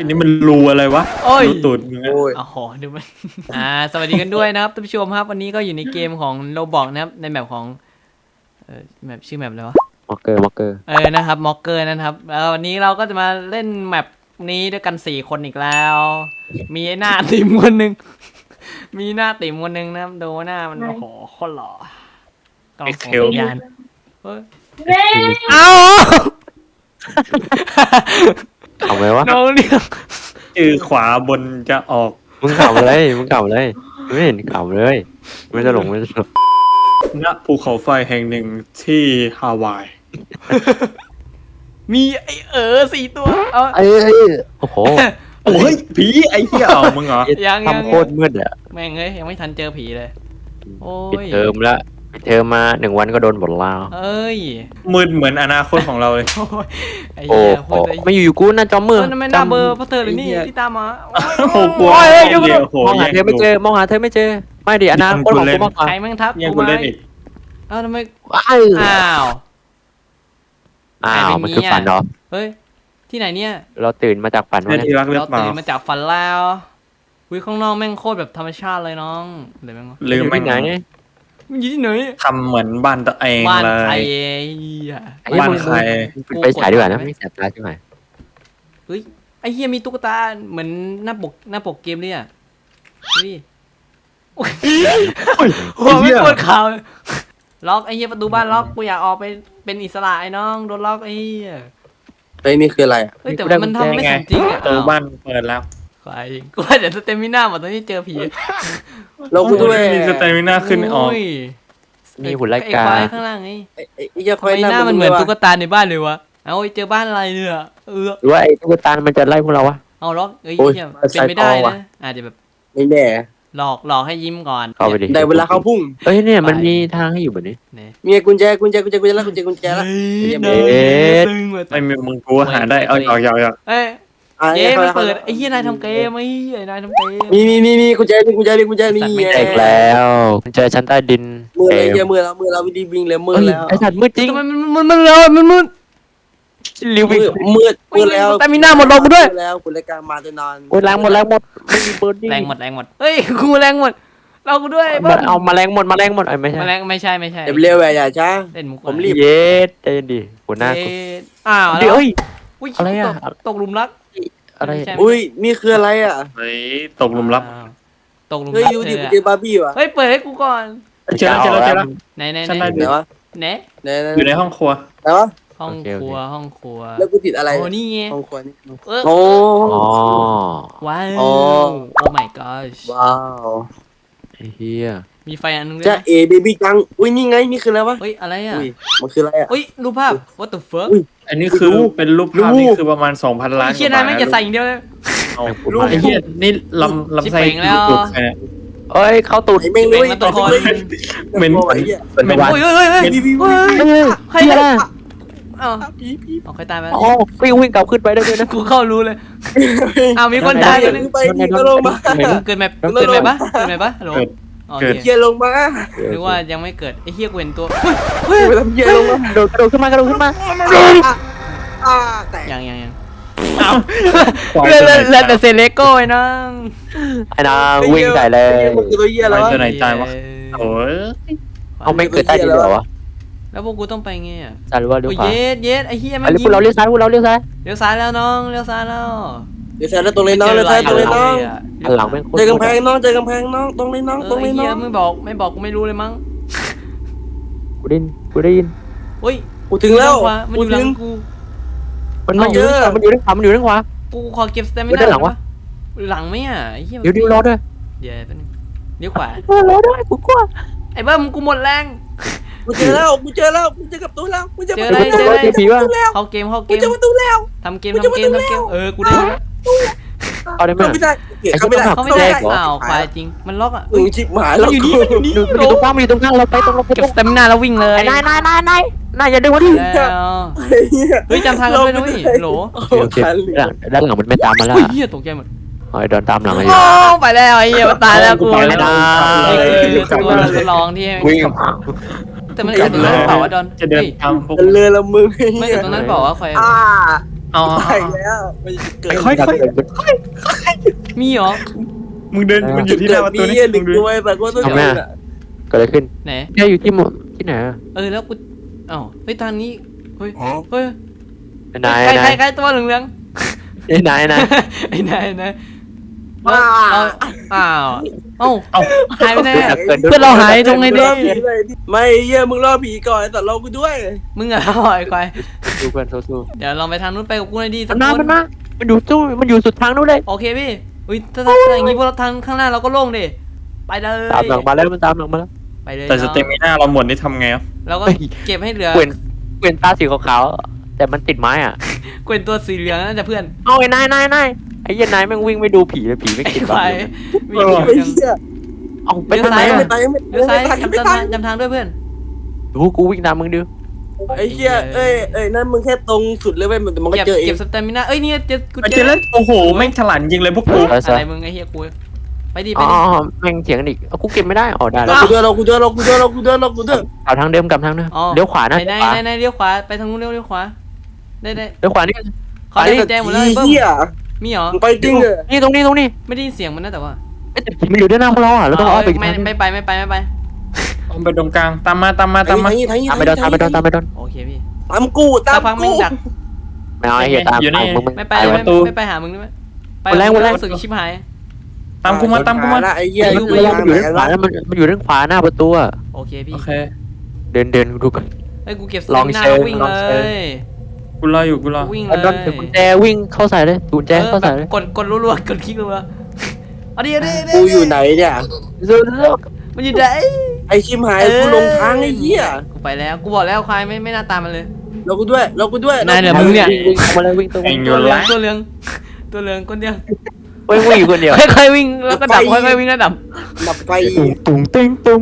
อันนี้มันรูอะไรวะโอ้ยรูตูดมึงอะโอ้ยโอ้โหดูมัน สวัสดีกันด้วยนะครับท่านผู้ชมครับวันนี้ก็อยู่ในเกมของโรบอกนะครับในแมปของแมปชื่อแมปอะไรวะมอกเกอร์นะครับม็อกเกอร์นะครับแล้ววันนี้เราก็จะมาเล่นแมปนี้ด้วยกัน4คนอีกแล้ว มีไอ้หน้าติ่มคนหนึ่ง มีหน้าติ่มคนหนึ่งนะครับดูหน้ามันโอ้โหโคตรหล่อกำลังส่งสัญญาณเฮ้ยเอ้าขำไหมวะน้องเรียกชื่อขวาบนจะออกมึงขำเลยไม่เห็นขำเลยไม่จะหลงณภูเขาไฟแห่งหนึ่งที่ฮาวายมีไอ้4 ตัวเอาโอ้โหโอ้ยผีไอ้เหี้ยเอามึงเหรอยังทำโคตรมืดอ่ะแม่งเอ้ยยังไม่ทันเจอผีเลยโอ้ปิดยเทอมแล้วปิดเทอมมา1 วันก็โดนบทลาวเอ้ยมืดเหมือนอนาคตของเราเลยโอ้ยไอ้โอ้เหี้ยโหพูดเลยไม่อยู่กูน่าจอมมือมันไม่น่าเบอร์เพราะเธอเลยนี่ที่ตามมาโอ้โหกลัวโอ้ยเดี๋ยวโอ้โหมองหาเธอไม่เจอมองหาเธอไม่เจอไม่ดิอนาคตของกูมากกว่าใครแม่งทักยังกูกูไหมเล่นอีกเอ้าทำไมอ้าวอ้าวมันคือฝันเหรอเฮ้ยที่ไหนเนี่ยเราตื่นมาจากฝันเพื่อนวะที่รักหรือเราเปล่าตื่นมาจากฝันแล้ววิข้างนอกแม่งโคตรแบบธรรมชาติเลยน้องเดี๋ยวแม่งวะลืมอยู่แม่ที่งไหนมึงอยู่ที่ไหนทำเหมือนบ้านตัวเองบ้านเลใครยอ่ะไอ้เหี้ยบ้านมึงใครปิดไฟฉายดีกว่านะไม่แสบตาใช่ไหมเฮ้ยไอ้เฮียมีตุ๊กตาเหมือนหน้าปกเกมเลยอ่ะนี่โอ้ยโอ้ยไม่ปวดเข่าล็อกไอ้เฮียประตูบ้านล็อกกูอยากออกไปเป็นอิสระไอ้น้องโดนล็อกไอ้เฮียไอ้นี่คืออะไรอ่ะเฮ้ยแต่ว่ามันทำไม่สมจริงอ่ะประตูบ้านเปิดแล้วใครกูว่าเดี๋ยวสเตมิน่าหมดตอนที่เจอผีเรากูด้วยมีสเตมิน่าขึ้นออกโยมีหุ่นไล่ไอ้กาควายข้างล่างไงไอ้เจ้าทำควายไมหน้ามันเหมือนตุ๊กตาในบ้านเลยวะเอาเจอบ้านอะไรเนี่ยเออหรือว่าไอ้ตุ๊กตามันจะไล่พวกเราวะเอาล็อกเอ้ยเหี้ยเป็นไม่ได้นะอาจจะแบบไม่แน่หลอกให้ยิ้มก่อนเข้าไปดิได้เวลาเข้าพุ่งเอ้ยเนี่ยมันมีทางให้อยู่แบบนี้เนี่ยมีกุญแจแล้วกุญแจแล้วเฮ้ยเอ๊ะตึงว่ะไม่มีมึงกูหาได้เอาหยอกเอ้ยอ่ะเกมมันเปิดไอ้เหี้ยนายทำเกมไอ้เหี้ยนายทำเกมมีกุญแจมีแตกแล้วเจอชั้นใต้ดินมือเลยเจอมือเราวิธีบิงเลยมือแล้วไอ้สัตว์มืดจริงทำไมมันเร็วมันมืดลิววิ่งมืดแล้วแต่มีหน้าหมดลงกูด้วยแล้วคุณรายการมาจะนอนโอ้ยแรงหมดไม่มีเบิร์ดดิ้งแรงหมดเฮ้ยกูแรงหมดเรากูด้วยมันเอามาแรงหมดไอ้ไม่ใช่แรงไม่ใช่เดี๋ยวเร็วอย่าช้าเล่นมุกผมรีบเย็ดเย็นดิหัวหน้ากูอ้าวเดี๋ยวเอ้ยอุ้ยอะไรอะตกหลุมรักอะไรไม่ใช่อุ้ยนี่คืออะไรอ่ะเฮ้ยตกหลุมลับอ้าวตกหลุมเฮ้ยรักดูดิเธอเจอบาร์บี้วะเฮ้ยเปิดให้กูก่อนเจอแล้วไหนชั้นใต้ไหนวะไหนอยู่ในห้องครัวไหนวะห้องครัวห้องครัวแล้วกูติดอะไรโอ้นี่ไงห้องครัวนี่เออโอ้อ๋อว้าวโอ้โอ้ my gosh ว้าวไอ้เฮียมีไฟอันนึงด้วยจะนะเอเบบี้จังอุ้ยนี่ไงนี่คืออะไรวะเฮ้ยอะไรอ่ะอุ้ยมันคืออะไรอ่ะเฮ้ยรูปภาพ what the fuck อุ้ยอันนี้คือเป็นรูปภาพรูปนี่คือประมาณ 2,000 ล้านไอ้เชี่ยนายไม่งจะใส่อย่างเดียวเลยเอารูปไอ้เหี้ยนี่ลำไส้ชิบเป่งแล้วดูดใครเนี่ยเอ้ยเข้าตูดไอ้แม่งเลยเป็นมาตัวคนเหม็นไอ้เหี้ยเป็นวันโอ้ยเฮ้ยเป็นเฮ้ยเฮ้ยใครเฮียเนี่ยนะอ้าวผีเอาใครตายไปอ๋อวิ่งกลับขึ้นไปได้ด้วยนะกูเข้ารู้เลยอ้าวมีคนตายเกีคนนึงไปนี่ก็ลงมาเกิดไหมปะฮัลโหลโอเคเกียลงมาหรือว่ายังไม่เกิดไอ้เฮียกูเห็นตัวไปทำเกียลงมากระโดดขึ้นมากระโดดขึ้นมาแตกยังอ้าวเล่นแต่เซเลโก้ไอ้น้องไอ้นางวิ่งใส่เลยมันคือตัวเหี้ยแล้วตัวไหนตายวะโอ้ยเอาไม่เกิดใต้ดินเหรอวะแล้วพวกกูต้องไปไงอ่ะซ้ายหรือว่าเลี้ยวโอ้ยขวาเย็ดไอ้เฮียอัแม่นงนี้พวกเราเลี้ยวซ้ายพวกเราเลี้ยวซ้ายเลี้ยวซ้ายแล้วน้องเลี้ยวซ้ายแล้วเดี๋ยวแซนตรงเลยน้องเลยแซนตรงเลยน้องอันหลังแม่งโคตรเจอกำแพงน้องเจอกำแพงน้องตรงเลยน้องตรงไอ้เลยน้เฮีอย งไม่บอกกูไม่รู้เลยมั้งกูได้ยินเฮ้ยกูถึงแล้วมันอยู่หลังกูมันอยู่ด้านขวามันอยู่ด้านขวากูขอเก็บสเตมิด้านหลังวะหลังไหมอ่ะไอ้เฮียเดี๋ยวรอด้วยเดี๋ยวแป๊บนึงเลี้ยวขวารอด้วยกูกลัวไอ้เบิ้มกูหมดแรงกูเจอแล้วกูเจอกับตัวแล้วกูเจอประตูเจออะไรผีวะเข้าเกมกูเจอประตูแล้วทำเกมกูได้เอาได้ไหมเข้าไม่ได้เข้าไม่ได้เขาไม่ได้อ้าวควายจริงมันล็อกอ่ะมึงชิบหายมัแล้วนอยู่นี่มันอยู่นี่อยู่ตรงข้างมันอยู่ตรงข้างเราไปตรงเราไปเก็ตบรงสเตมินาแล้ววิ่งเลยนายอย่าดึงมาดิแล้วเฮ้ยจำทางกันด้วยนะเว้ยโหลโอเคด้านหลังมันไม่ตามมาแล้วเฮ้ยเฮียตกใจหมดเฮ้ยเดินตามหลังเลยโอ้ไปแล้วไอ้เหี้ยมันตายแล้วกูไม่ได้นี่คือตัวทดลองที่วิ่งแต่มันอยู่ตรงนั้นเปล่าวะดอนจะเดินตามพวกเรือละมึงไม่อยู่ตรงนั้นเปล่าวะใครเอาไปแล้วมันเกิดค่อยมีเหรอมึงเดินมันอยู่ที่หน้าประตูนี่หนึ่งด้วยแต่ก็ต้องทำไมอะเกิดอะไรขึ้นไหนแกอยู่ที่ที่ไหนอะแล้วกูอ้าวเฮ้ยทางนี้เฮ้ยเฮ้ยนายใครตัวเหลืองนายๆไอ้นายเราอ้าวเอ้าหายไปไหนเพื่อนเราหายตรงไหนดิไม่เหี้ยมึงรอผีก่อนแต่เรากูด้วยมึงอะไอ้ควายดูกันสู้เดี๋ยวลองไปทางนู้นไปกับกูหน่อยดิๆสัมักนคนมันอยู่สุดทางนู้นเลยโอเคพี่อุ้ยถ้าอย่างงี้พวกเราทางข้างหน้าเราก็โล่งดิไปเลยตามหลังมาแล้วมันตามหลังมาแล้วไปเลยแต่สเตมิน่าเราหมดนี่ทำไงอ่ะเราก็เก็บให้เหลือเกวียนตาสีขาวๆแต่มันติดไม้อ่ะเกวนตัวสีเหลืองนั่นจะเพื่อนเอาไอ้นายไอ้ยันนายแม่งวิ่งไม่ดูผีเลยผีไม่กินไอ้บ้าควายไอ้เหี้ยเอาไปทางไหนไม่อะตายไม่เลี้ยวซ้ายตายไม่ตายจำทางด้วยเพื่อนดูกูวิ่งตามมึงดูไอ้เหี้ยเอ้ยนั่นมึงแค่ตรงสุดเลยเว้ยมันก็เจอเอเก็งบสเตมิน่าเอ้ยเนี่ยกูเจอแล้วโอ้โหแม่งฉลาดจริงเลยพวกกูอะไรมึงไอ้เหี้ยกูไปดิไปอ๋อดิแม่งเถียงกันอีกเอากูเก็บไม่ได้อ๋อได้เราแล้วกูเดินกลับทางเดิมเลี้ยวขวานะไหนเลี้ยวขวาไปทางนู้นเลี้ยวขวาได้เลี้ยวขวานี่เขาได้กุญแจหมดเลยเบิ้มเหี้ยมีเหรอมึงไปจริงเลยนี่ตรงนี้ไม่ได้ยินเสียงมันนะแต่ว่าแต่ผีมันอยู่ด้านหน้าพวกเราอ่ะเราต้องอ้อมไปอีกทางนึงไม่ไปเอาไปตรงกลางตามมาทางนี้ตามไปโดนโอเคพี่ตามกูสักพักมึงดักไม่เอาไอ้เหี้ยตามมึงไม่ไปไม่ไปหามึงด้วยไปรู้สึกชิบหายตามกูมาไอ้เหี้ยมันอยู่ด้านขวาแล้วมันอยู่ด้านขวาหน้าประตูอ่ะโอเคพี่โอเคเดินดูกันเฮ้ยกูเก็บลองหน้าเชิญวิ่งลเลองเชิญยกูรออยู่กูรอวิ่งมันเลโดนยถือกุญแจวิ่งเข้าใส่เลยกุญแจเข้าใส่เลยกดรัวๆกดคลิกรัวเอาดิกูอยู่ไหนเนี่ยมันอยู่ไหนไอ้ชิมหายกูลงทางไอ้เหี้ยกูไปแล้วกูบอกแล้วควายไม่น่าตามมันเลยเรากูด้วยนายเนี่ยมึงเนี่ยวิ่งมาเลยวิ่งตรงเองอตัยู่วเหลือละงตัวเหลืองตัวเหลืองคนเดียววิ่งอยู่คนเดียวค่อยๆวิ่งแล้วก็ดับค่อยๆวิ่งแล้วดับดับไฟตุ้งตุ้ง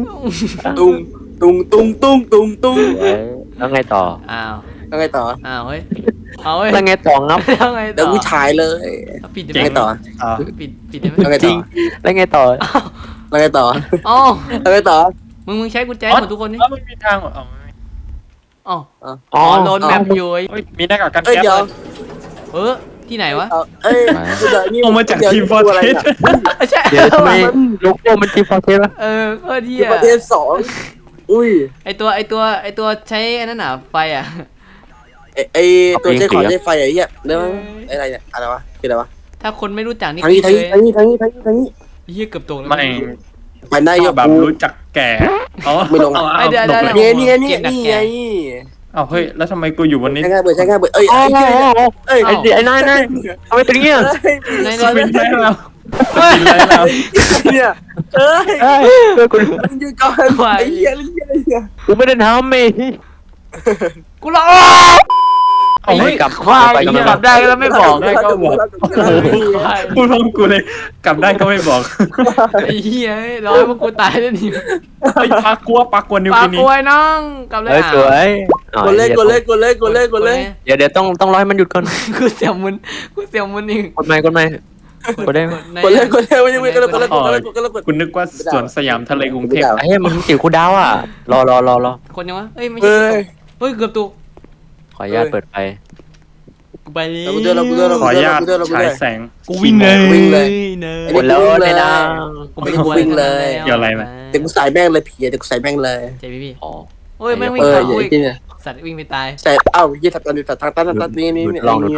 แล้วไงต่ออ้าวแล้วไงต่ออ้าวเฮ้ยเอาเฮ้ยแล้วไงต่องับแล้วไงเดี๋ต่ยวอกูฉายเลยปิดแล้วไงต่อปิดได้ไหมแล้วไงจต่ริองแล้วไงต่อแล้วไงต่ออ๋อแล้วไงต่อมึงใช้กุญแจหมดทุกคนนี่ไม่มีทางอ๋ออ๋ออ๋ออ๋อโดนแมปอยู่มีหน้ากากกันเอ้ยแก๊สเดี๋ยวที่ไหนวะเอ้ยเดี๋ยวนี่ออกมาจากทีมฟอร์เทสใช่เดี๋ยวทำไมโลโก้มันทีฟอร์เทสวะโคตรเที่ที่ประเทศ2อุ้ยไอตัวใช้อันนั้นหนาไฟอ่ะไอตัวใช้ขอใช้ไฟไอ้เหี้ยเรื่องอะไรเนี่ยอะไรวะคืออะไรวะถ้าคนไม่รู้จักนี่ทางนี้เฮียเกือบตกแล้วไม่ไปได้ยแบบกูรู้จักแก่อ๋อเดี๋ยวเนี่ยเอาเฮ้ยแล้วทำไมกูอยู่บนนี้ใช้ง่ายเบิดเอ้ยอ๋อเอ้ยไอ้นายทำไมเป็นเงี้ยสปินได้แล้วสปินได้แล้วเนี่ยเอ้ยเฮ้ยกูมึงยืนก่อนไอ้เหี้ยไอ้เหี้ยกูไม่ได้ทำเมย์กูรอเอาเฮ้ยกลับควายกลับได้แล้วไม่บอกได้ก็บอกพูดพร้อมกูเลยกลับได้ก็ไม่บอกไอ้เหี้ยร้อยพวกกูตายแล้วนี่ไอ้ปากกัวนิวปากินีกล้วยน้องกลับเลยเฮ้ยสวยกดเลยเดี๋ยวต้องร้อยมันหยุดก่อนกูเสียวมุนอีกกดไม่กดได้ไม่ก็เลยคุณนึกว่าสวนสยามทะเลกรุงเทพไอ้เหี้ยมันจิ๋วคูดาวอ่ะรอคนยังวะเอ้ยไม่ใช่เฮ้ยเกือบตกขออนุญาตเปิดไฟกูไปเลยขออนุญาตฉายแสงกูวิ่งเลยหมดแล้วในดังกูไม่กลัวเด็กกูใส่แม่งเลยผีเด็กกูใส่แม่งเลยใจพี่อ๋อโอ้ยแม่งวิ่งอย่าผ่านงที่เนี่ยสัตว์วิ่งไปตายใส่เอ้ายี่สัตว์นี่สัตว์ทางตันนี่เรามา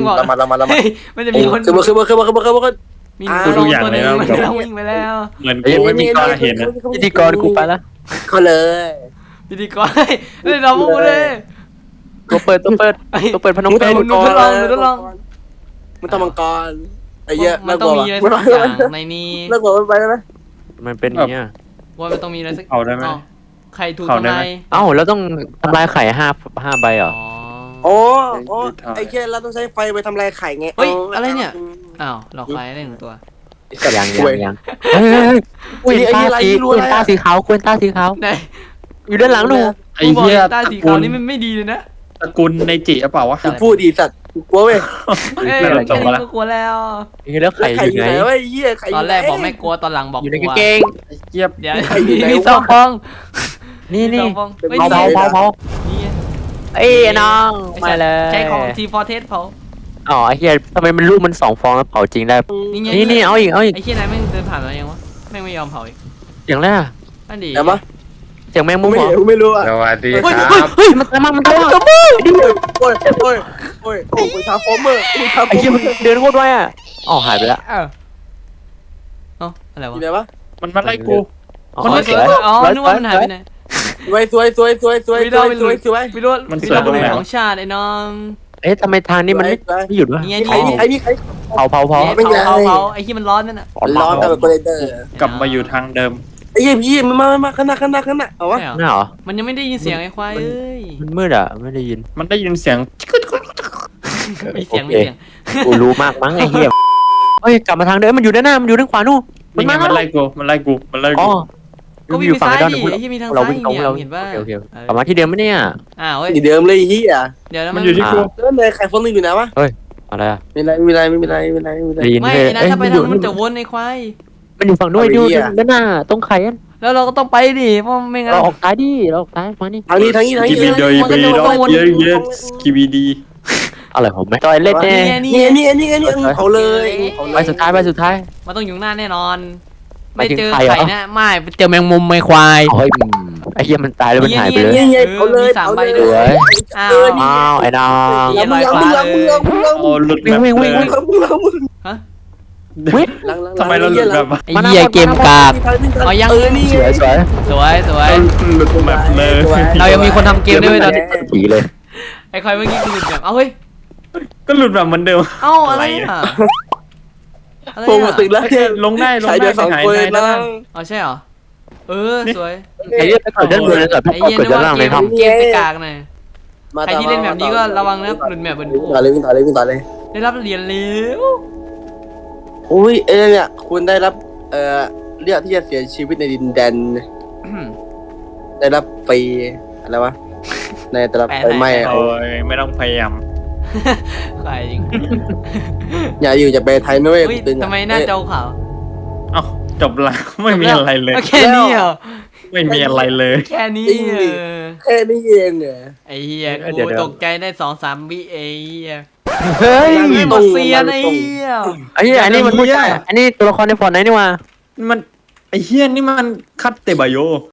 มันจะมีคนคือมีตัวนึงมันเราวิ่งไปแล้วเหมือนกูไม่มีกล้าเห็นนะพิธีกรกูไปละเขาเลยพิธีกรเฮ้ยเราพูดเลยตัวเปิดพนมมึงเปญมึงทำมังกรไอ้เหี้ยมันต้องมีอะไรสักอย่างในนี้เลิกบอกมันไปไหมมันเป็นอย่างเงี้ยว่ามันต้องมีอะไรสักเอาได้ไหมใครถูกทำลายเอ้าแล้วต้องทำลายไข่5ใบเหรอโอ้ไอ้แค่เราต้องใช้ไฟไปทำลายไข่ไงเฮ้ยอะไรเนี่ยอ้าวหลอกใครได้หนึ่งตัวยังเฮ้ยควนตาสีขาวไหนอยู่ด้านหลังหนูไอ้เหี้ยตาสีขาวนี่มันไม่ดีเลยนะตระกูลในจิเปล่าวะพูดดีสัตว์กลัวเว้ยเอ้ยแล้วแค่นี้ก็กลัวแล้วแล้วไข่อยู่ไหนไอ้เหี้ยไข่ตอนแรกบอกไม่กลัวตอนหลังบอกอยู่กในลัวกางเกงเจี๊ยบเดี๋ยวมีสองฟองนี่สองฟองเผานี่เอ้ยน้องมาเลยใช้ของทีฟอร์เทสเผาอ๋อไอ้เหี้ยทำไมมันลูกมัน2 ฟองแล้วเผาจริงได้นี่ไงนี่เอาอีกไอ้เหี้ยนายแม่งเดินผ่านมายังวะแม่งไม่ยอมเผาอีกอย่างแรกนั่นดิแต่ปะเสียงแมงมุมไม่เหรอเห็นไม่รู้อ่ะสวัสดีเฮ้ยคเฮ้ยรับมันตามมาโอ้ยโอ้ยโอ้ยโอ้ยโอ้ยทาฟอร์เมอร์ทาฟไอ้อร์เหี้ยเมมัอน ร์เดินโคตรไวอ่ะอ๋อหายไปแล้วเอ้าอะไรอวะยู่ไหนวะมันมาไล่กูอ๋อมันสสววย ยอ๋อนึกว่ามันหายไปไหนสวยวิโรจน์วิโรจน์ของชาติไอ้น้องเอ๊ะทำไมทางนี้มันไม่หยุดวะนี่ไงใครนี่ใครนี่ใครเผาไม่เป็นไรเผาไอ้ที่มันร้อนนั่นน่ะร้อนแบบโกเลเตอร์กลับมาอยู่ทางเดิมไอ้ยี่พี่มันมาข้างหน้าเอาวะใช่เหรอหน้าเหรอมันยังไม่ได้ยินเสียงไอ้ควายเอ้ยมันมืดอ่ะไม่ได้ยินมันได้ยินเสียงมีเสียงโอมีเคเสียงกูรู้มากมั้งไอ้เหี้ยเฮ้ยกลับมาทางเดิมมันอยู่ด้านหน้ามันอยู่ด้านขวานู่นนี่ไงมันไล่กูมันไล่กูมันไล่อ๋กูอก็วิ่งอยู่ไปฝั่งซ้ายไอ้ดอนดิเราไอ้ที่มีทางเราซ้ายวิ่งตรงเนี่ยเราเห็นป่ะโอเคกลับมาที่เดิมไหมเนี่ยอ้าวเว้ยที่เดิมเลยเฮียเดี๋ยวนะมัมัน นอยู่ที่กูแล้วนายใครคนนึงอยู่ไหนวะอะไรอ่ะไม่เป็นไรได้ยินไม่เลยนะถ้าไปทางมันจะวนไอ้ควายมันอยู่ฝั่งนู้นดูด้านหน้าตรงไข่อะแล้วเราก็ต้องไปดิเพราะไม่งั้นเราออกซ้ายดิเราออกซ้ายมานี่ทางนี้กีบีโดยบีโดยเยอะเยอะกีบีดีอะไรผมไม่ต่อยเล่นแน่นี่เขาเลยไปสุดท้ายมันต้องอยู่หน้าแน่นอนหมายไม่ถึงเจอใครเหรอไข่นะไม่เจอแมงมุมไอ้ควายเฮ้ยไอ้เหี้ยมันตายแล้วมันหายไปเลยนี่เขาเลยอ้าอ้าวไอ้น้องมึงโอ้หลุดแบบเลย ทำไมเราหลุดแบบไอ้เหี้ยเกมกากเอายังนี่สวยสวยสวยหลุดแบบเลยเรายังมีคนทำเกมด้วยตอนนี้ผีเลยไอ้ควายเมื่อกี้คือหลุดแบบเอ้าเฮ้ยก็หลุดแบบเหมือนเดิมเอ้าอะไรอ่ะอะไรผมอ่ะตึกแล้วลงได้ลงใช้ได้เดือนสองหายคนได้นะอ๋อใช่เหรอเออสวยไอ้เหี้ยไปเกิดด้านบนเลยแต่ไอ้พอเหี้ยเกิดนึกด้านว่าล่างเกเลยมทำเกมไปกากหน่อยใครที่เล่นแบบนี้ก็ระวังนะหลุดแบบบนวิ่งต่อเลยได้รับเหรียญเร็วอุ้ยเนี่ยคุณได้รับเลือกที่จะเสียชีวิตในดินแดนได้รับฟรีอะไรวะในแต่ละไฟไหม้โอ้ยไม่ต้องพยายามควายจริงอย่าอยู่จะไปไทยนุ้ยเฮ้ยทำไมหน้าจอขาวเอ้าจบละไม่มีอะไรเลยแค่นี้เหรอไม่มีอะไรเลยแค่นี้เหรอแค่นี้เองเหรอไอ้เหี้ยกูตกใจได้2-3 วิไอ้เหี้ยเฮ้ยไม่หมดเซียนไอ้เหี้ยไอ้เหี้ยอันนี้มันไม่ใช่อันนี้ตัวละครในฟอนต์ไหนนี่วะมันไอ้เฮี้ยนี่มันคัตเตบะโย